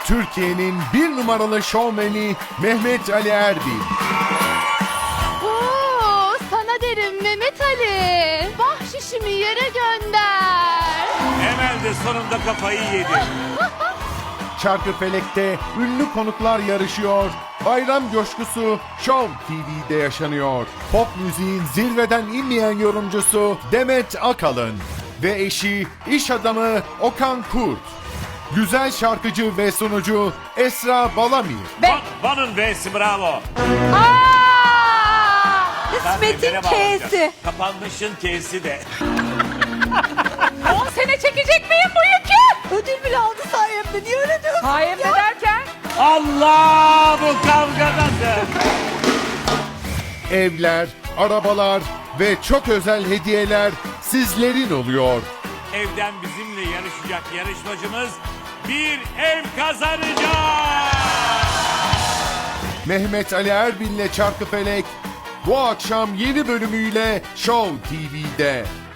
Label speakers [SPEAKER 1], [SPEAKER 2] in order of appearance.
[SPEAKER 1] Türkiye'nin bir numaralı şovmeni Mehmet Ali Erbil.
[SPEAKER 2] Oo, sana derim Mehmet Ali. Bahşişimi yere gönder.
[SPEAKER 3] Emel de sonunda kafayı yedi.
[SPEAKER 1] Çarkıfelek'te ünlü konuklar yarışıyor. Bayram coşkusu Show TV'de yaşanıyor. Pop müziğin zirveden inmeyen yorumcusu Demet Akalın ve eşi iş adamı Okan Kurt. Güzel şarkıcı ve sunucu Esra Balamir.
[SPEAKER 3] Van'ın V'si bravo.
[SPEAKER 2] Aa!
[SPEAKER 3] İsmet'in
[SPEAKER 2] İsmet'in K'si.
[SPEAKER 3] Kapanmışın K'si de.
[SPEAKER 2] 10 sene çekecek miyim bu yükü?
[SPEAKER 4] Ödül bile aldı sayemde. Niye öyle diyorsun?
[SPEAKER 2] Sayemde derken?
[SPEAKER 3] Allah bu kavgadadır.
[SPEAKER 1] Evler, arabalar ve çok özel hediyeler sizlerin oluyor.
[SPEAKER 3] Evden bizimle yarışacak yarışmacımız bir ev kazanacak.
[SPEAKER 1] Mehmet Ali Erbil'le Çarkıfelek bu akşam yeni bölümüyle Show TV'de.